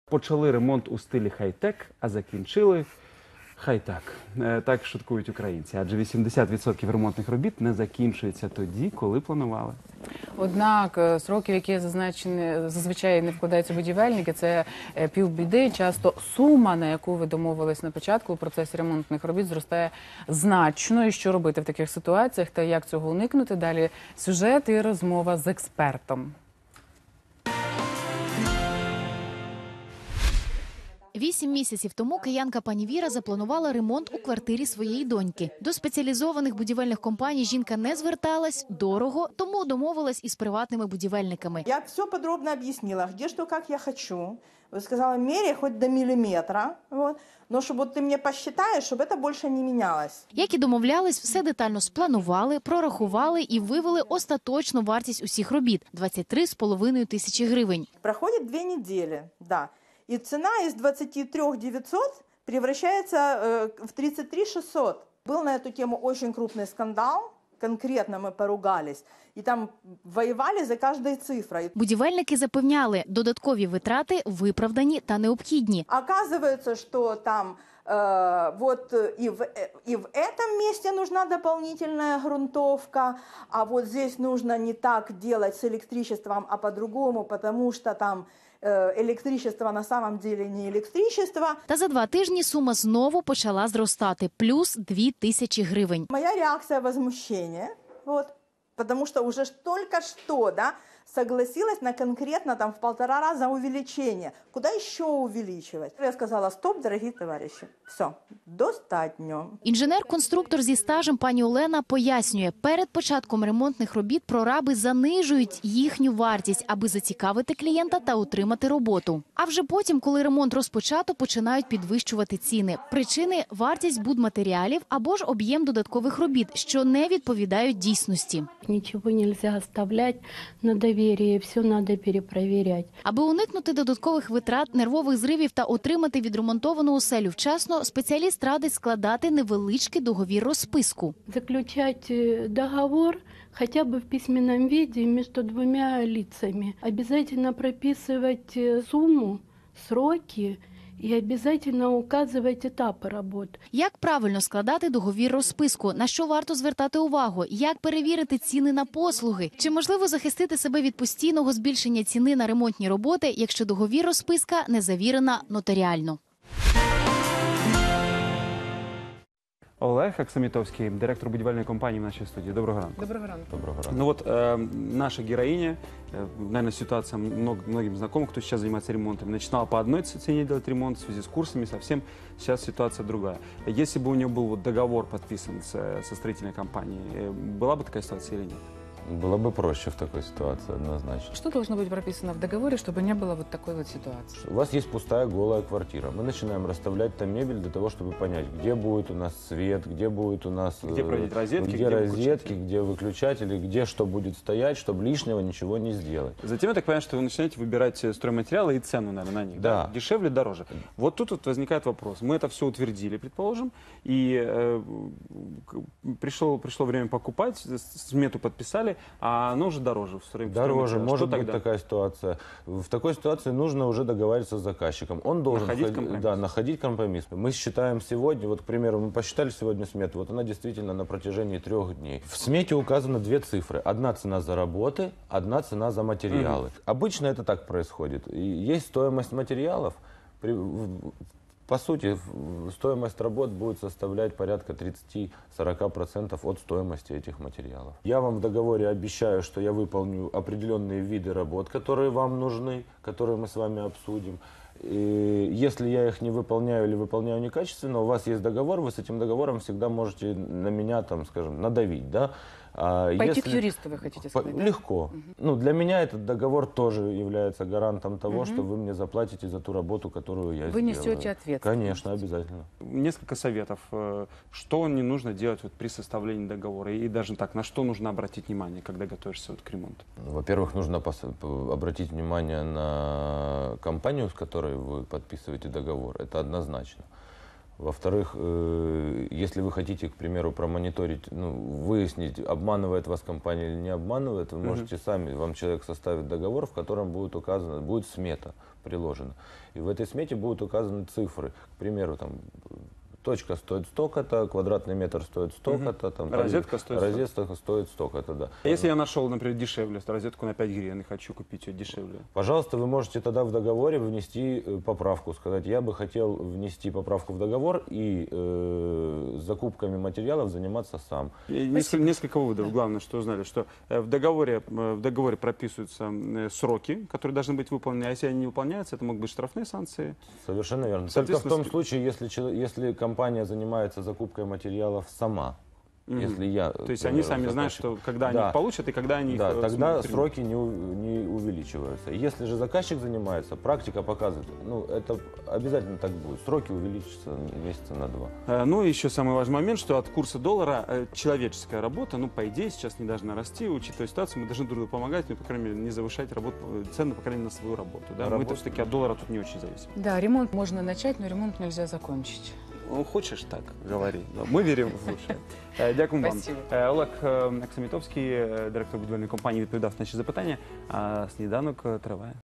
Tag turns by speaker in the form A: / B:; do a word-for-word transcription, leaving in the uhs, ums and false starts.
A: Почали ремонт у стилі хай-тек, а закінчили хай-так. Так шуткують українці. Адже вісімдесят відсотків ремонтних робіт не закінчується тоді, коли планували.
B: Однак сроки, в які зазначені, зазвичай не вкладаються будівельники, це півбіди. Часто сума, на яку ви домовились на початку у процесі ремонтних робіт, зростає значно. І що робити в таких ситуаціях та як цього уникнути? Далі сюжет і розмова з експертом.
C: Вісім місяців тому киянка пані Віра запланувала ремонт у квартирі своєї доньки. До спеціалізованих будівельних компаній жінка не зверталась, дорого, тому домовилась із приватними будівельниками.
D: Я все подробно объяснила, где что, как я хочу. Сказала, меряй хоть до миллиметра, вот. Но чтобы вот ты мне посчитаешь, чтобы это больше не менялось.
C: Як і домовлялись, все детально спланували, прорахували і вивели остаточну вартість усіх робіт – двадцять три з половиною тисячі гривень.
D: Проходит две недели, да. И цена из двадцати трёх девятисот превращается э, в тридцать три шестьсот. Был на эту тему очень крупный скандал. Конкретно мы поругались. І там воювали за кожною цифрою.
C: Будівельники запевняли, додаткові витрати виправдані та необхідні.
D: Оказывается, что там э, вот и в, и в этом месте нужна дополнительная грунтовка, а вот здесь нужно не так делать с электричеством, а по-другому, потому что там електричество на самом деле не електричество.
C: Та за два тижні сума знову почала зростати – плюс дві тисячі гривень.
D: Моя реакция возмущения, вот, потому что уже только что, да, согласилась на конкретно там в полтора раза увеличение. Куда еще увеличивать? Я сказала, стоп, дорогие товарищи, все, достатньо.
C: Інженер-конструктор зі стажем пані Олена пояснює, перед початком ремонтних робіт прораби занижують їхню вартість, аби зацікавити клієнта та утримати роботу. А вже потім, коли ремонт розпочато, починають підвищувати ціни. Причини – вартість будматеріалів або ж об'єм додаткових робіт, що не відповідають дійсності.
E: Нічого не можна оставляти на довір'ї, все треба перепровіряти.
C: Аби уникнути додаткових витрат, нервових зривів та отримати відремонтовану оселю вчасно, спеціаліст радить складати невеличкий договір розписку.
E: Заключати договор хоча б в письменному виді між двома лицами. Обов'язково прописувати суму, сроки і обов'язково указувати етапи роботи.
C: Як правильно складати договір розписку? На що варто звертати увагу? Як перевірити ціни на послуги? Чи можливо захистити себе від постійного збільшення ціни на ремонтні роботи, якщо договір розписка не завірена нотаріально?
A: Олег Аксамітовський, директор будівельної компанії в нашій студії. Доброго ранку.
B: Доброго ранку.
A: Доброго ранку. Ну вот э, наша героиня, э, наверное, ситуация много, многим знакома, кто сейчас занимается ремонтом. Начинала по одной цене делать ремонт в связи с курсами, совсем сейчас ситуация другая. Если бы у нее был вот договор подписан с, со строительной компанией, была бы такая ситуация или нет?
F: Было бы проще в такой ситуации, однозначно.
B: Что должно быть прописано в договоре, чтобы не было вот такой вот ситуации?
F: У вас есть пустая голая квартира. Мы начинаем расставлять там мебель для того, чтобы понять, где будет у нас свет, где будет у нас...
A: Где проводить розетки,
F: где,
A: где
F: розетки, где выключатели, где что будет стоять, чтобы лишнего ничего не сделать.
A: Затем я так понимаю, что вы начинаете выбирать стройматериалы и цену, наверное, на них. Да. Да? Дешевле, дороже. Вот тут вот возникает вопрос. Мы это все утвердили, предположим, и э, пришло, пришло время покупать, смету подписали, а оно уже дороже.
F: Дороже, может быть такая ситуация. В такой ситуации нужно уже договариваться с заказчиком. Он должен
A: находить
F: ход...
A: компромисс.
F: Да, находить компромисс. Мы считаем сегодня, вот, к примеру, мы посчитали сегодня смету, вот она действительно на протяжении трех дней. В смете указано две цифры. Одна цена за работы, одна цена за материалы. Угу. Обычно это так происходит. И есть стоимость материалов. При... По сути, стоимость работ будет составлять порядка тридцати-сорока процентов от стоимости этих материалов. Я вам в договоре обещаю, что я выполню определенные виды работ, которые вам нужны, которые мы с вами обсудим. И если я их не выполняю или выполняю некачественно, у вас есть договор, вы с этим договором всегда можете на меня, там, скажем, надавить, да? А
B: Пойти
F: если...
B: к юристу, вы хотите сказать,
F: По...
B: да?
F: Легко. Угу. Ну, для меня этот договор тоже является гарантом того,
B: угу.
F: что вы мне заплатите за ту работу, которую я
B: вы
F: сделаю.
B: Вы несете ответственность.
F: Конечно, обязательно.
A: Несколько советов. Что не нужно делать вот при составлении договора? И даже так, на что нужно обратить внимание, когда готовишься вот к ремонту?
F: Во-первых, нужно обратить внимание на компанию, с которой вы подписываете договор. Это однозначно. Во-вторых, э, если вы хотите, к примеру, промониторить, ну, выяснить, обманывает вас компания или не обманывает, вы можете сами, вам человек составит договор, в котором будет указано, будет смета приложена. И в этой смете будут указаны цифры. К примеру, там, точка стоит столько-то, квадратный метр стоит столько-то, там,
A: Розетка стоит
F: розетка стоит столько-то, да.
A: А если я нашел, например, дешевле, розетку на пять гривен и хочу купить ее дешевле?
F: Пожалуйста, вы можете тогда в договоре внести э, поправку, сказать, я бы хотел внести поправку в договор и э, закупками материалов заниматься сам.
A: И несколько, несколько выводов. Главное, что узнали, что э, в договоре, э, в договоре прописываются э, сроки, которые должны быть выполнены, а если они не выполняются, это могут быть штрафные санкции.
F: Совершенно верно. Только в том случае, если, чело- если компания занимается закупкой материалов сама.
A: Мгм.
F: Если я,
A: То есть
F: к
A: они
F: примеру,
A: сами знают,
F: заказчик.
A: что когда
F: Да.
A: они их получат и когда они
F: Да,
A: их э,
F: тогда
A: смогут принять.
F: сроки не, у- не увеличиваются. Если же заказчик занимается, практика показывает, ну, это обязательно так будет. Сроки увеличатся месяца на два.
A: Э, Ну и еще самый важный момент, что от курса доллара э, человеческая работа, ну, по идее, сейчас не должна расти, учитывая ситуацию, мы должны друг другу помогать, ну, по крайней мере, не завышать работу, э, цены, по крайней мере, на свою работу. Да? Мы-то
F: Работу,
A: все-таки от доллара тут не очень зависим.
B: Да, ремонт можно начать, но ремонт нельзя закончить.
A: Ну, хочеш так, говори. Ми віримо в лучше. Е, Дякую вам.
B: Спасибо.
A: Е, Олег е, Аксамітовський, е, директор будівельної компанії, відповідав на наші запитання. А сніданок е, триває.